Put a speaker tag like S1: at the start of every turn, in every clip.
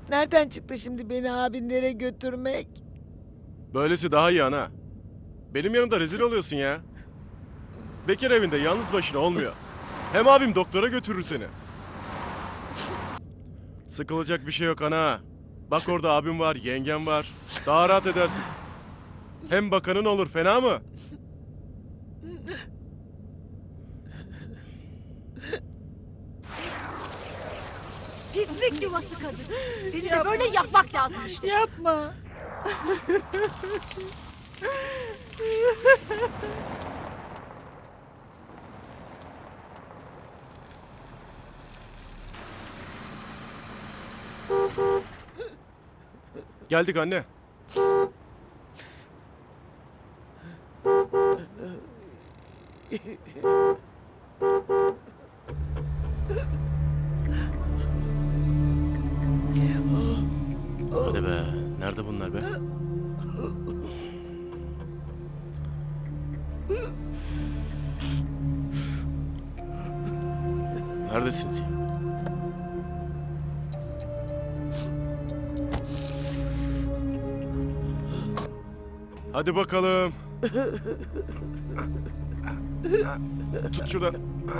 S1: Nereden çıktı şimdi beni abinlere götürmek?
S2: Böylesi daha iyi ana. Benim yanımda rezil oluyorsun ya. Bekar evinde yalnız başına olmuyor. Hem abim doktora götürür seni. Sıkılacak bir şey yok ana. Bak orada abim var, yengem var. Daha rahat edersin. Hem bakanın olur, fena mı?
S3: Pislik yuvası kadın. Seni de böyle yapmak lazım işte.
S1: Yapma.
S2: Geldik anne. Hadi be. Nerede bunlar be? Neredesiniz ya? Hadi bakalım. Tut şuradan.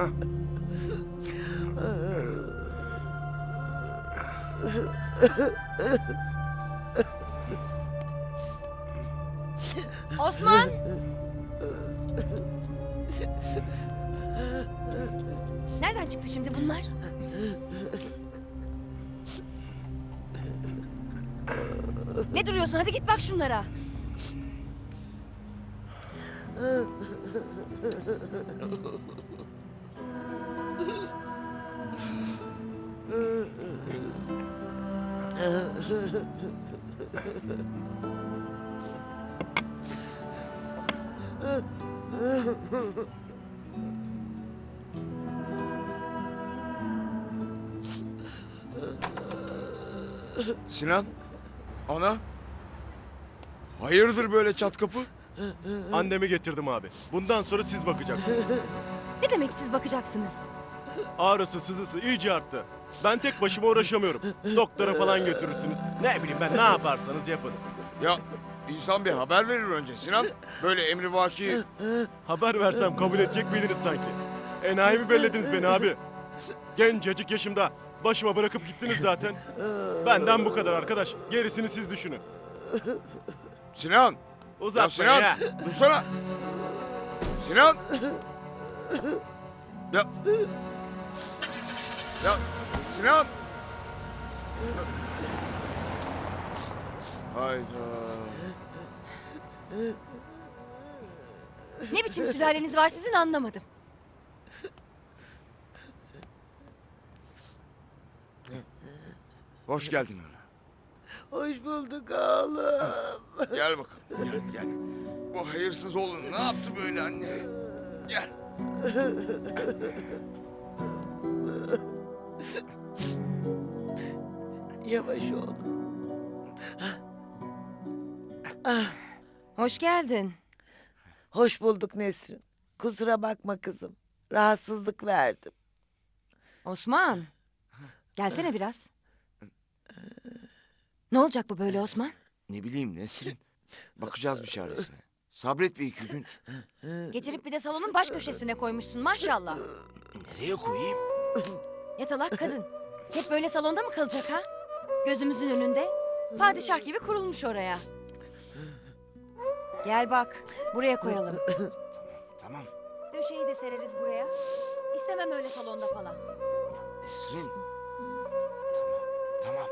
S3: Osman! Nereden çıktı şimdi bunlar? Ne duruyorsun? Hadi git bak şunlara.
S4: Sinan? Ana? Hayırdır böyle çat kapı?
S2: Annemi getirdim abi. Bundan sonra siz bakacaksınız.
S3: Ne demek siz bakacaksınız?
S2: Ağrısı sızısı iyice arttı. Ben tek başıma uğraşamıyorum. Doktora falan götürürsünüz. Ne bileyim ben, ne yaparsanız yapın.
S4: Ya insan bir haber verir önce Sinan. Böyle emrivaki...
S2: Haber versem kabul edecek miydiniz sanki? Enayi mi bellediniz beni abi? Gencecik yaşımda başıma bırakıp gittiniz zaten. Benden bu kadar arkadaş. Gerisini siz düşünün.
S4: Sinan! Ya
S2: Uzatmayın
S4: Sinan!
S2: ya.
S4: Dursana! Sinan! Ya... Ya Sinan! Hayda.
S3: Ne biçim sülaleniz var sizin anlamadım.
S4: Hoş geldin ana.
S1: Hoş bulduk oğlum.
S4: Gel bakalım. Gel gel. Bu hayırsız oğlun ne yaptı böyle anne? Gel.
S1: Yavaş oğlum.
S3: Hoş geldin.
S1: Hoş bulduk Nesrin. Kusura bakma kızım. Rahatsızlık verdim.
S3: Osman. Gelsene biraz. Ne olacak bu böyle Osman?
S4: Ne bileyim Nesrin. Bakacağız bir çaresine. Sabret bir iki gün.
S3: Getirip bir de salonun baş köşesine koymuşsun maşallah.
S4: Nereye koyayım?
S3: Yatalak kadın. Hep böyle salonda mı kalacak ha? Gözümüzün önünde. Padişah gibi kurulmuş oraya. Gel bak, buraya koyalım.
S4: Tamam.
S3: Döşeyi de sereriz buraya. İstemem öyle salonda falan.
S4: Nesrin. Tamam. Tamam.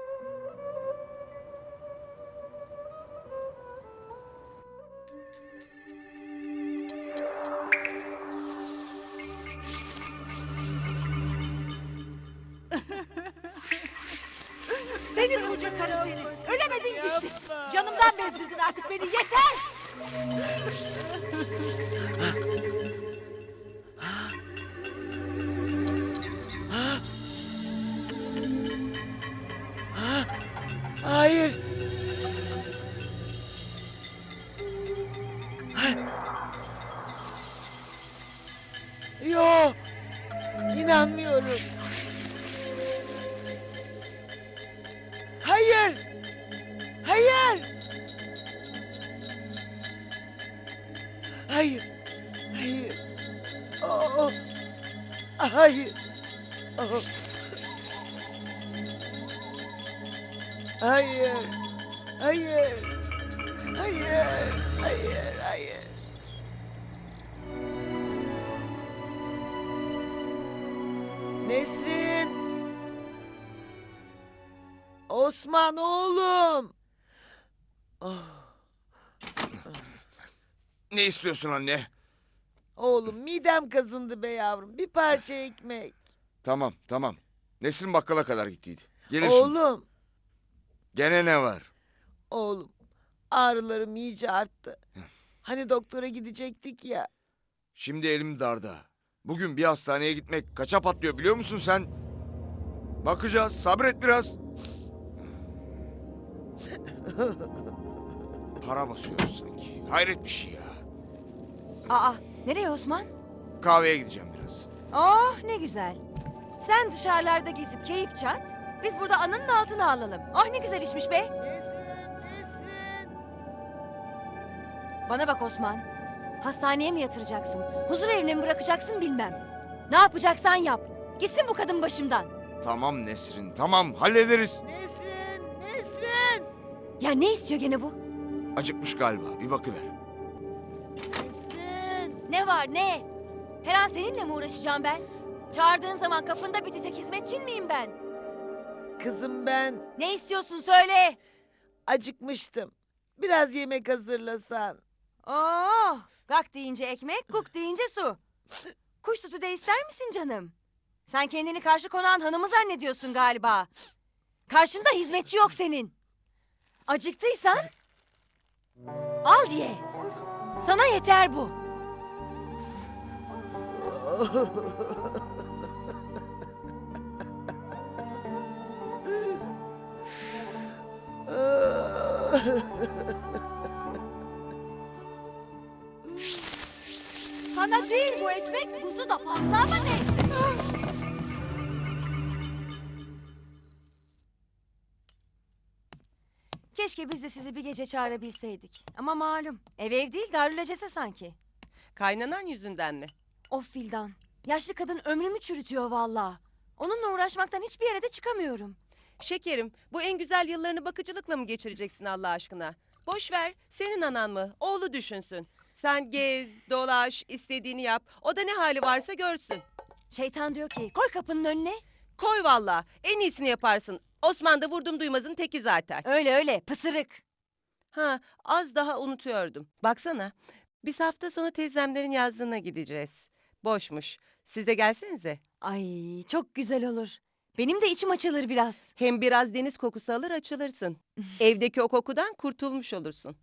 S3: Senin koca karı seni. Ölemedin gitti. Canımdan bezdirdin artık beni yeter.
S1: Hayır. Yok. İnanmıyorum. Hayır. Oh. Hayır. Oh. Hayır. Hayır. Hayır. Hayır. Hayır. Nesrin. Osman oğlum. Oh.
S4: Ne istiyorsun anne?
S1: Oğlum midem kazındı be yavrum. Bir parça ekmek.
S4: Tamam tamam. Nesrin bakkala kadar gittiydi. Gelir şimdi.
S1: Oğlum.
S4: Gene ne var?
S1: Oğlum. Ağrılarım iyice arttı. Hani doktora gidecektik ya.
S4: Şimdi elim darda. Bugün bir hastaneye gitmek kaça patlıyor biliyor musun sen? Bakacağız. Sabret biraz. Para basıyoruz sanki. Hayret bir şey ya.
S3: Aa, nereye Osman?
S4: Kahveye gideceğim biraz.
S3: Oh, ne güzel. Sen dışarılarda gezip keyif çat. Biz burada ananın altına alalım. Oh, ne güzel işmiş be.
S1: Nesrin, Nesrin.
S3: Bana bak Osman. Hastaneye mi yatıracaksın? Huzur evine mi bırakacaksın bilmem. Ne yapacaksan yap. Gitsin bu kadın başımdan.
S4: Tamam Nesrin tamam hallederiz.
S1: Nesrin, Nesrin.
S3: Ya ne istiyor gene bu?
S4: Acıkmış galiba bir bakıver.
S1: Nesrin.
S3: Ne var ne? Her an seninle mi uğraşacağım ben? Çağırdığın zaman kapında bitecek hizmetçin miyim ben?
S1: Kızım ben
S3: Ne istiyorsun söyle.
S1: acıkmıştım. Biraz yemek hazırlasan.
S3: Oh, gak deyince ekmek, kuk deyince su. Kuş sütü de ister misin canım? Sen kendini karşı konağın hanımı zannediyorsun galiba. Karşında hizmetçi yok senin. Acıktıysan al ye. Sana yeter bu. Sana değil bu ekmek, kuzu da fazla ama neyse. Keşke biz de sizi bir gece çağırabilseydik. Ama malum, ev değil darülecese sanki.
S5: Kaynanan yüzünden mi?
S3: Of Fildan, yaşlı kadın ömrümü çürütüyor vallahi. Onunla uğraşmaktan hiçbir yere de çıkamıyorum.
S5: Şekerim, bu en güzel yıllarını bakıcılıkla mı geçireceksin Allah aşkına? Boş ver, senin anan mı? Oğlu düşünsün. Sen gez, dolaş, istediğini yap. O da ne hali varsa görsün.
S3: Şeytan diyor ki, koy kapının önüne.
S5: Koy valla, en iyisini yaparsın. Osman da vurdum duymazın teki zaten.
S3: Öyle öyle, pısırık.
S5: Ha, az daha unutuyordum. Baksana, biz hafta sonu teyzemlerin yazdığına gideceğiz. Boşmuş. Siz de gelsenize.
S3: Ay, çok güzel olur. Benim de içim açılır biraz.
S5: Hem biraz deniz kokusu alır açılırsın. Evdeki o kokudan kurtulmuş olursun.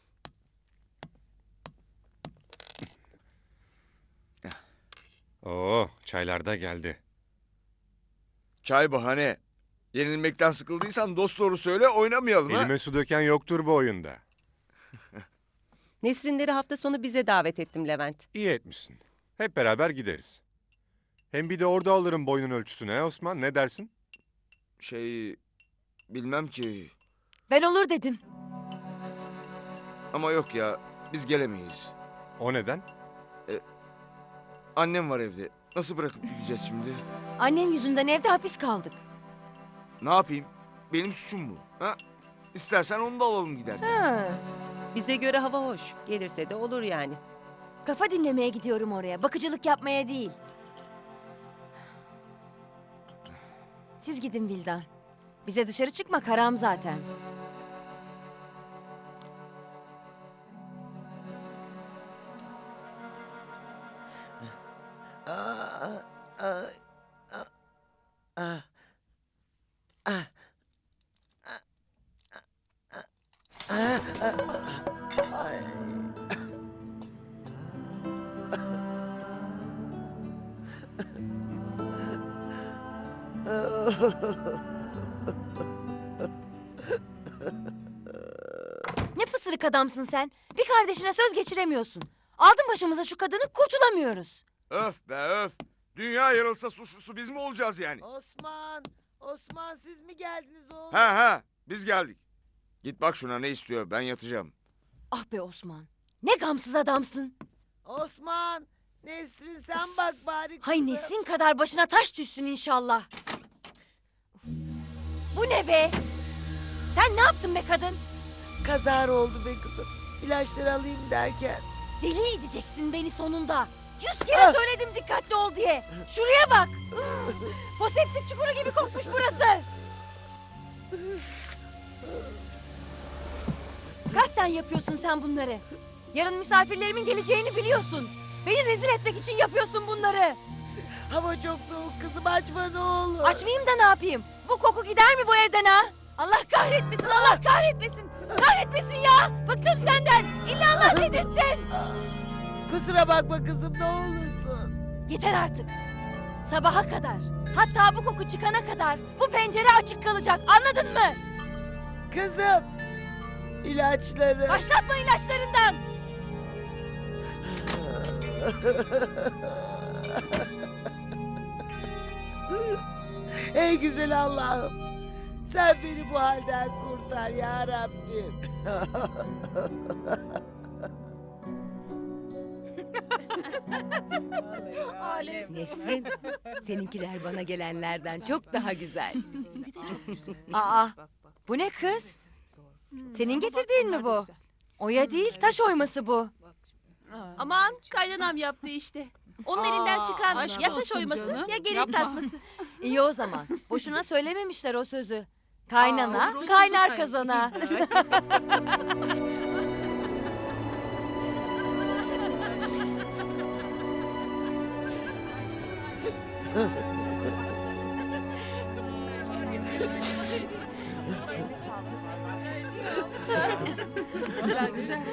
S6: Oo, çaylar da geldi.
S4: Çay bahane. Yenilmekten sıkıldıysan dost doğru söyle oynamayalım ha.
S6: Elime su döken yoktur bu oyunda.
S5: Nesrinleri hafta sonu bize davet ettim Levent.
S6: İyi etmişsin. Hep beraber gideriz. Hem bir de orada alırım boyunun ölçüsünü he Osman, ne dersin?
S4: Bilmem ki.
S3: Ben olur dedim.
S4: Ama yok ya biz gelemeyiz.
S6: O neden?
S4: Annem var evde. Nasıl bırakıp gideceğiz şimdi?
S3: Annen yüzünden evde hapis kaldık.
S4: Ne yapayım? Benim suçum bu. Ha? İstersen onu da alalım giderken.
S3: Ha.
S5: Bize göre hava hoş. Gelirse de olur yani.
S3: Kafa dinlemeye gidiyorum oraya. Bakıcılık yapmaya değil. Siz gidin Vildan. Bize dışarı çıkmak haram zaten.
S1: Aa, aa, aa, aa, aa, aa, aa, ay.
S3: Ne pısırık adamsın sen. Bir kardeşine söz geçiremiyorsun. Aldın başımıza şu kadını kurtulamıyoruz.
S4: Öf be öf. Dünya yarılsa suçlusu biz mi olacağız yani?
S1: Osman, Osman siz mi geldiniz oğlum?
S4: Ha biz geldik. Git bak şuna ne istiyor ben yatacağım.
S3: Ah be Osman. Ne gamsız adamsın.
S1: Osman, Nesrin sen bak bari
S3: Hay
S1: kızım.
S3: Nesrin kadar başına taş düşsün inşallah. Bu ne be? Sen ne yaptın be kadın?
S1: Kazara oldu be kızım. İlaçları alayım derken.
S3: Deli edeceksin beni sonunda. 100 kere söyledim dikkatli ol diye. Şuraya bak. Foseptik çukuru gibi kokmuş burası. Kasten yapıyorsun sen bunları. Yarın misafirlerimin geleceğini biliyorsun. Beni rezil etmek için yapıyorsun bunları.
S1: Hava çok soğuk kızım, açma ne olur.
S3: Açmayayım da ne yapayım? Bu koku gider mi bu evden ha? Allah kahretmesin, Allah kahretmesin. Kahretmesin ya. Bıktım senden. İllallah dedirttin.
S1: Kusura bakma kızım, ne olursun.
S3: Yeter artık. Sabaha kadar, hatta bu koku çıkana kadar bu pencere açık kalacak. Anladın mı?
S1: Kızım. İlaçları.
S3: Başlatma ilaçlarından.
S1: Ey güzel Allah'ım. Sen beni bu halden kurtar ya Rabbim.
S7: Nesrin, seninkiler bana gelenlerden çok daha güzel.
S3: Aa, bu ne kız? Senin getirdiğin mi bu? Oya değil, taş oyması bu.
S8: Aman kaynanam yaptı işte. Onun elinden çıkan
S9: aşk
S8: ya taş
S9: olsun
S8: oyması
S9: canım.
S8: ya gelin
S9: Yapma.
S8: tasması.
S3: İyi o zaman. Boşuna söylememişler o sözü. Kaynana,
S9: Aa,
S3: kaynar
S9: sanki.
S3: kazana.
S9: Güzel güzel.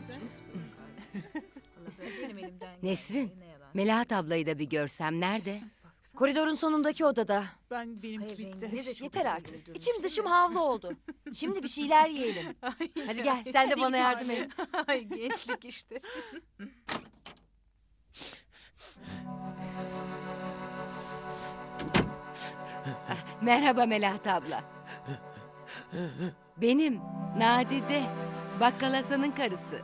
S7: Nesrin, Melahat ablayı da bir görsem nerede?
S3: Koridorun sonundaki odada.
S9: Benimki bitti.
S3: Yeter artık. İçim dışım havlu oldu. Şimdi bir şeyler yiyelim. Hadi gel, sen de bana yardım et.
S9: Ay gençlik işte.
S7: Merhaba Melahat abla. Benim, Nadide. Bakkal Hasan'ın karısı.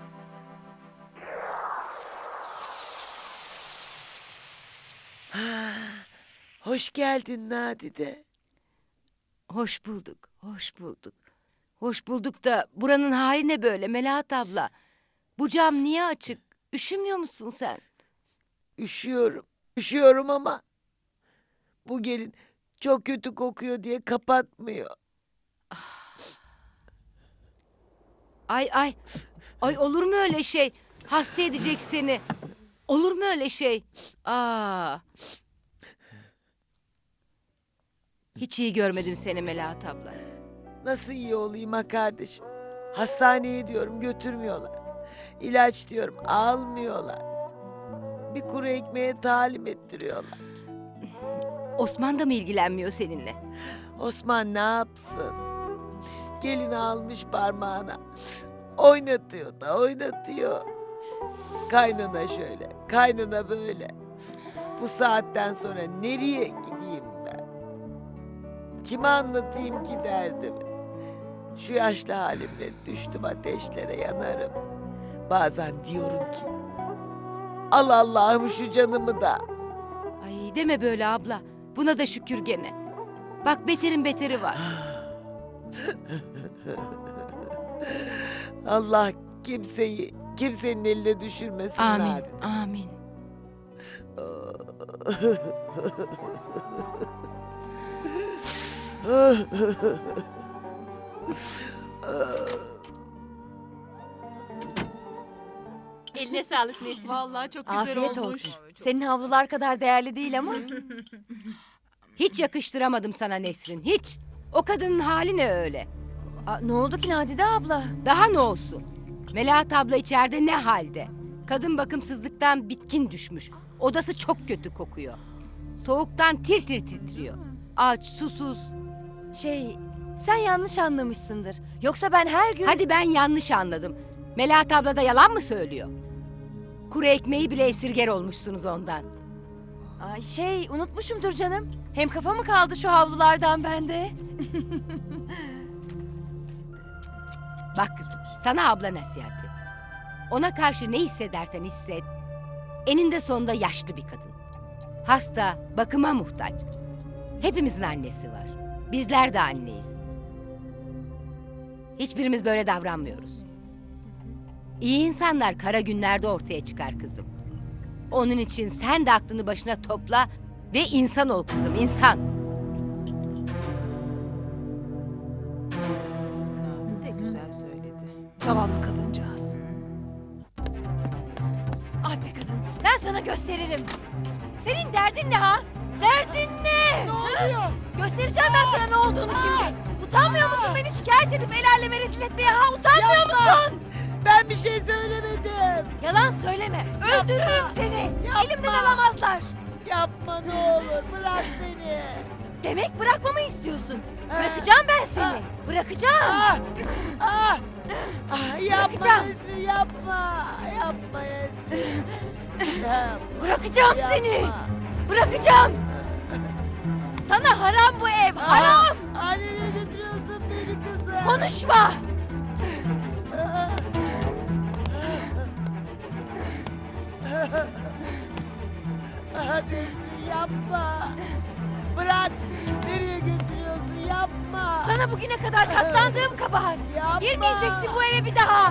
S1: Hoş geldin Nadide.
S7: Hoş bulduk, hoş bulduk. Hoş bulduk da buranın hali ne böyle Melahat abla? Bu cam niye açık? Üşümüyor musun sen?
S1: Üşüyorum. Üşüyorum ama bu gelin çok kötü kokuyor diye kapatmıyor.
S7: Ay ay. Ay olur mu öyle şey? Hasta edecek seni. Olur mu öyle şey? Aa. Hiç iyi görmedim seni Melahat abla.
S1: Nasıl iyi olayım ha kardeşim? Hastaneye diyorum götürmüyorlar. İlaç diyorum almıyorlar. Bir kuru ekmeğe talim ettiriyorlar.
S7: Osman da mı ilgilenmiyor seninle?
S1: Osman ne yapsın? Gelini almış parmağına. Oynatıyor da oynatıyor. Kaynana şöyle, kaynana böyle. Bu saatten sonra nereye gideyim ben? Kime anlatayım ki derdimi? Şu yaşlı halimle düştüm ateşlere yanarım. Bazen diyorum ki al Allah'ım şu canımı da.
S7: Ay deme böyle abla. Buna da şükür gene. Bak beterin beteri var.
S1: Allah kimseyi kimsenin eline düşürmesin
S7: Amin,
S1: Nadide.
S7: amin.
S8: Eline sağlık Nesrin.
S9: Vallahi çok güzel
S3: Afiyet
S9: olmuş.
S3: olsun. Senin havlular kadar değerli değil ama.
S7: Hiç yakıştıramadım sana Nesrin, hiç. O kadının hali ne öyle?
S3: Aa, ne oldu ki Nadide abla?
S7: Daha ne olsun? Melahat abla içeride ne halde? Kadın bakımsızlıktan bitkin düşmüş. Odası çok kötü kokuyor. Soğuktan tir tir titriyor. Aç, susuz.
S3: Sen yanlış anlamışsındır. Yoksa ben her gün...
S7: Hadi ben yanlış anladım. Melahat abla da yalan mı söylüyor? Kuru ekmeği bile esirger olmuşsunuz ondan.
S3: Ay, unutmuşumdur canım. Hem kafa mı kaldı şu havlulardan bende?
S7: Bak kızım, sana abla nasihati. Ona karşı ne hissedersen hisset. Eninde sonunda yaşlı bir kadın. Hasta, bakıma muhtaç. Hepimizin annesi var. Bizler de anneyiz. Hiçbirimiz böyle davranmıyoruz. İyi insanlar kara günlerde ortaya çıkar kızım. Onun için sen de aklını başına topla ve insan ol kızım, insan.
S5: Ne güzel söyledi.
S9: Zavallı kadıncağız.
S3: Ah be kadın, ben sana gösteririm. Senin derdin ne ha? Derdin ne? Ne oluyor? Göstereceğim ben sana ne olduğunu şimdi. Utanmıyor musun beni şikayet edip el aleme rezil etmeye ha? Utanmıyor musun?
S1: Ben bir şey söylemedim.
S3: Yalan söyleme. Öldürürüm seni. Elimden alamazlar.
S1: Yapma ne olur bırak beni.
S3: Demek bırakmamı istiyorsun. Bırakacağım ben seni. Bırakacağım.
S1: Ah, ah, yapma
S3: Bırakacağım.
S1: Nesrin yapma. Yapma Nesrin. Yapma,
S3: Bırakacağım seni.
S1: yapma.
S3: Bırakacağım. Sana haram bu ev. Haram.
S1: Nereye götürüyorsun beni kızım?
S3: Konuşma.
S1: Nesrin yapma. Bırak. Nereye götürüyorsun? Yapma.
S3: Sana bugüne kadar katlandığım kabahat.
S1: Yapma.
S3: Girmeyeceksin bu eve bir daha.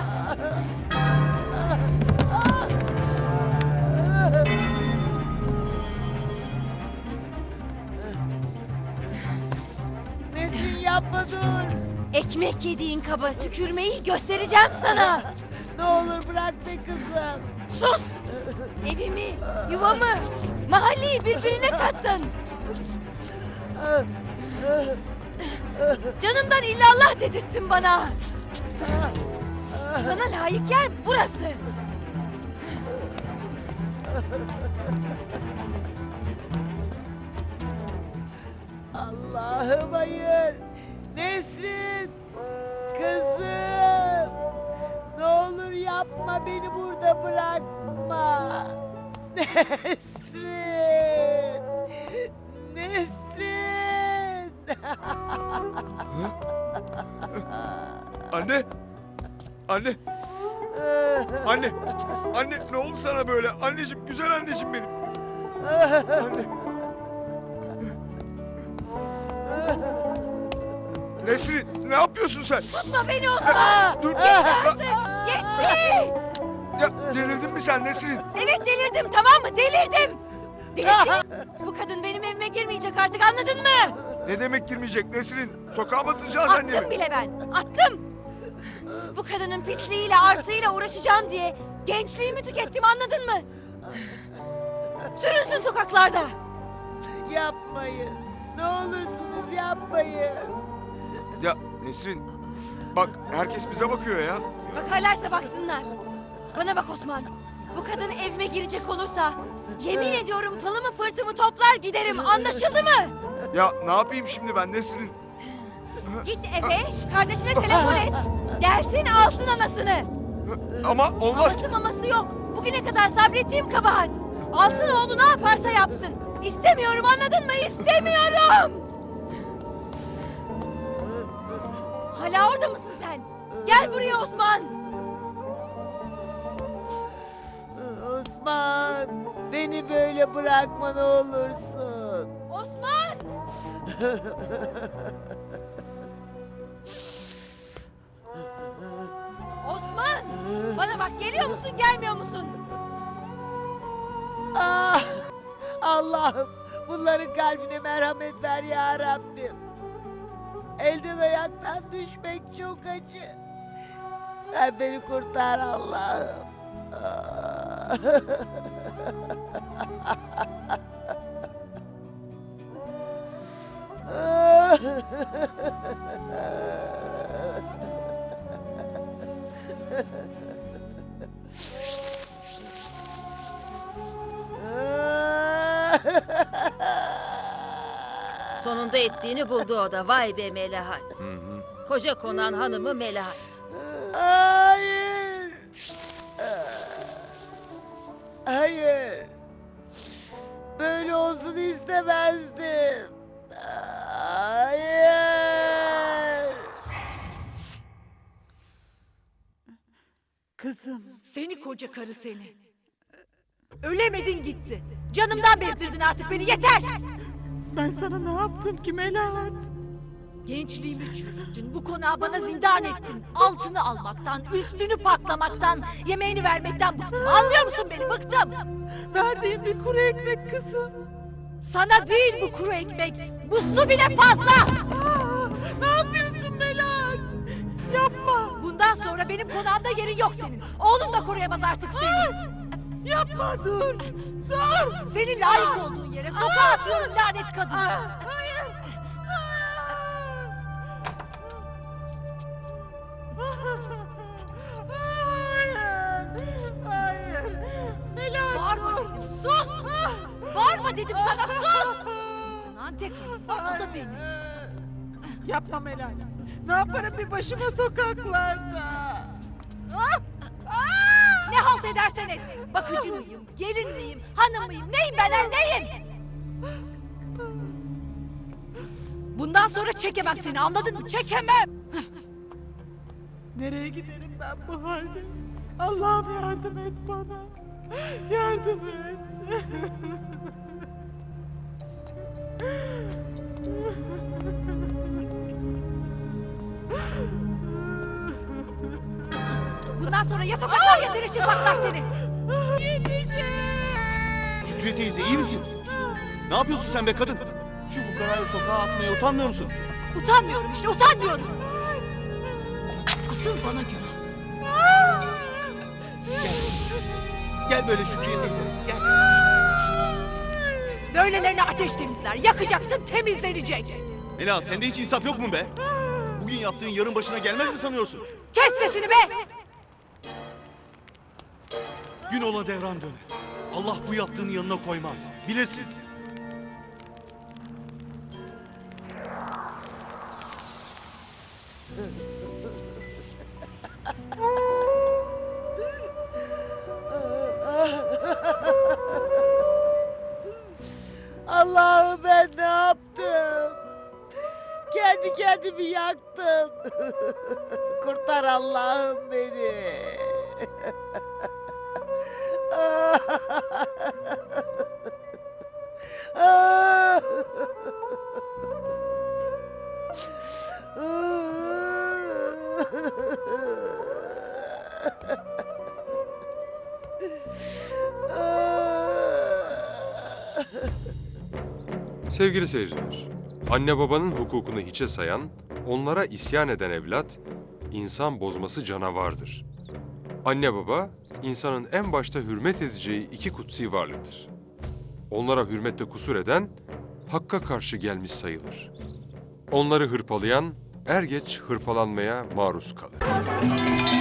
S1: Nesrin yapma dur.
S3: Ekmek yediğin kaba tükürmeyi göstereceğim sana.
S1: Ne olur bırak be kızım.
S3: Sus! Evimi, yuvamı, mahalleyi birbirine kattın. Canımdan illallah dedirttin bana. Sana layık yer burası.
S1: Allah'ım hayır. Nesrin. Kızım. Ne olur yapma beni burada bırakma. Nesrin. Nesrin.
S4: Anne! Anne! Anne! Anne ne oldu sana böyle? Anneciğim, güzel anneciğim benim. Anne! Nesrin ne yapıyorsun sen?
S3: Tutma beni Osman.
S4: Dur!
S3: Yetti.
S4: Ya delirdin mi sen Nesrin?
S3: Evet delirdim tamam mı? Delirdim. Delirdim. Bu kadın benim evime girmeyecek artık anladın mı?
S4: Ne demek girmeyecek Nesrin? Sokağa mı atacağız
S3: Attım
S4: annemi?
S3: bile ben. Attım. Bu kadının pisliğiyle artıyla uğraşacağım diye gençliğimi tükettim anladın mı? Sürünsün sokaklarda.
S1: Yapmayın. Ne olursunuz yapmayın.
S4: Ya Nesrin bak herkes bize bakıyor ya.
S3: Bakarlarsa baksınlar. Bana bak Osman. Bu kadın evime girecek olursa yemin ediyorum pılımı pırtımı toplar giderim anlaşıldı mı?
S4: Ya ne yapayım şimdi ben Nesrin?
S3: Git eve kardeşine telefon et. Gelsin alsın anasını.
S4: Ama olmaz.
S3: Aması maması yok. Bugüne kadar sabrettiğim kabahat. Alsın oğlu ne yaparsa yapsın. İstemiyorum anladın mı? İstemiyorum. Hala orada mısın sen? Gel buraya Osman.
S1: Osman, beni böyle bırakma ne olursun.
S3: Osman. Osman. Bana bak geliyor musun gelmiyor musun?
S1: Ah, Allah'ım, bunların kalbine merhamet ver ya Rabbim. Elden ayaktan düşmek çok acı. Sen beni kurtar Allah'ım. Ah.
S8: Sonunda ettiğini buldu o da. Vay be Melahat. Koca konan hanımı Melahat.
S1: Hayır. Hayır. Böyle olsun istemezdim. Hayır.
S9: Kızım. Seni koca karı seni.
S8: Ölemedin gitti. Canımdan bezdirdin artık beni, yeter!
S9: Ben sana ne yaptım ki Melahat?
S8: Gençliğimi çürüttün, bu konağı bana zindan ettin. Altını almaktan, üstünü patlamaktan, yemeğini vermekten bıktım. Anlıyor musun beni? Bıktım!
S9: Verdiğin bir kuru ekmek kızım.
S8: Sana değil bu kuru ekmek, bu su bile fazla!
S9: Ne yapıyorsun Melahat? Yapma.
S8: Bundan sonra benim konağımda yerin yok senin. Oğlun da koruyamaz artık seni.
S9: Yapma dur. Dur.
S8: Senin layık olduğun yere sokağa atıyorum lanet kadın.
S9: Hayır. Hayır. Melahat
S8: Bağırma
S9: dur.
S8: dedim, sus! Bağırma dedim sana, sus! Konağın tek hanım, o da benim.
S9: Yapma Melahat. Ne yaparım bir başıma sokaklarda?
S8: Ne halt edersen et. Bakıcı mıyım, gelin miyim, hanım mıyım, neyim ben, neyim? Bundan sonra çekemem seni, anladın mı? Çekemem!
S9: Nereye giderim ben bu halde? Allah'ım yardım et bana. Yardım et.
S8: Bundan sonra ya sokaklar ya seni şırpaklar seni.
S10: Şükriye teyze iyi misin? Ne yapıyorsun sen be kadın? Şu fukarayı sokağa atmaya utanmıyor musun?
S8: Utanmıyorum işte, utanmıyorum. Asıl bana günah.
S10: Gel böyle Şükriye teyze. Gel.
S8: Böylelerine ateş temizler, yakacaksın, temizlenecek.
S10: Mela sende hiç insaf yok mu be? Bugün yaptığın yarın başına gelmez mi sanıyorsun?
S8: Kes sesini be!
S10: Gün ola devran döner. Allah bu yaptığını yanına koymaz. Bilesin.
S1: Allah'ım ben ne yaptım? Kendi kendimi yaktım. Kurtar Allah'ım beni.
S11: Sevgili seyirciler, anne babanın hukukunu hiçe sayan, onlara isyan eden evlat, insan bozması canavardır. Anne baba, insanın en başta hürmet edeceği iki kutsi varlıktır. Onlara hürmette kusur eden, hakka karşı gelmiş sayılır. Onları hırpalayan, er geç hırpalanmaya maruz kalır.